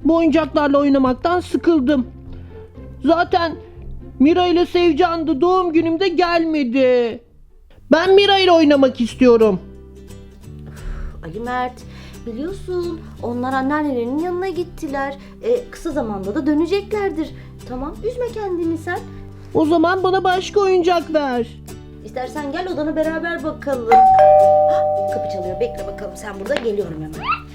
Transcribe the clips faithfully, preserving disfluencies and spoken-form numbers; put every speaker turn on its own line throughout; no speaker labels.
Bu oyuncaklarla oynamaktan sıkıldım. Zaten Mira ile Sevcan da doğum günümde gelmedi. Ben Mira ile oynamak istiyorum.
Ali Mert, biliyorsun onlar anneannelerinin yanına gittiler. E, kısa zamanda da döneceklerdir. Tamam, üzme kendini sen.
O zaman bana başka oyuncak ver.
İstersen gel odana beraber bakalım. Hah, kapı çalıyor, bekle bakalım sen burada, geliyorum hemen.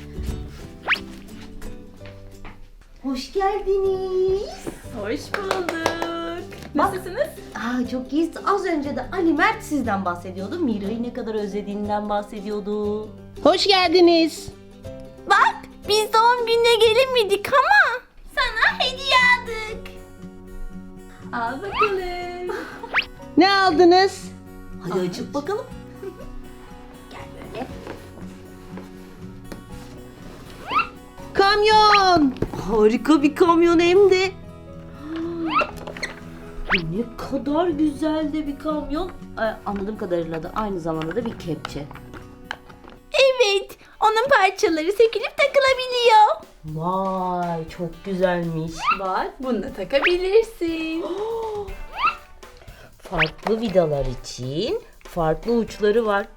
Hoş geldiniz.
Hoş bulduk. Nasılsınız?
Aa, çok iyiyiz. Az önce de Ali Mert sizden bahsediyordu. Mira'yı ne kadar özlediğinden bahsediyordu.
Hoş geldiniz.
Bak, biz doğum gününe gelemedik ama sana hediye aldık. Al bakalım.
Ne aldınız?
Hadi açıp bakalım. Gel böyle.
Kamyon.
Harika bir kamyon hem de. Ne kadar güzel de bir kamyon. Ee, anladığım kadarıyla da aynı zamanda da bir kepçe.
Evet, onun parçaları sökülüp takılabiliyor.
Vay, çok güzelmiş.
Bak, bunu da takabilirsin.
Farklı vidalar için farklı uçları var.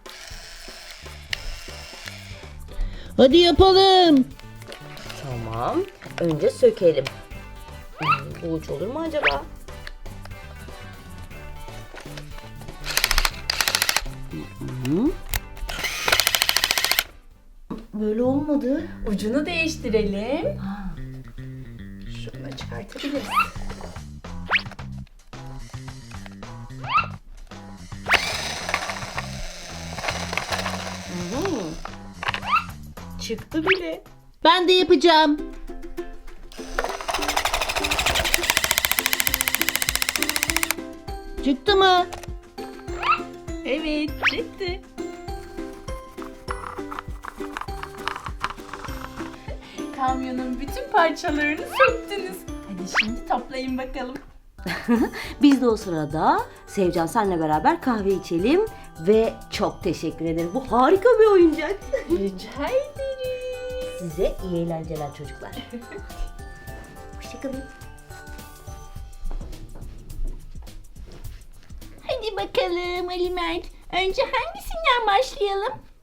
Hadi yapalım.
Tamam. Önce sökelim. Hmm, bu uç olur mu acaba? Hı. Böyle olmadı.
Ucunu değiştirelim.
Ha.
Şunu da çıkartabiliriz.
Hı. Çıktı bile.
Ben de yapacağım. Çıktı mı?
Evet, çıktı. Kamyonun bütün parçalarını söktünüz. Hadi şimdi toplayın bakalım.
Biz de o sırada Sevcan senle beraber kahve içelim ve çok teşekkür ederim. Bu harika bir oyuncak.
Rica ederim.
Size iyi eğlenceler çocuklar. Hoşçakalın.
Hadi bakalım Ali Mert. Önce hangisinden başlayalım?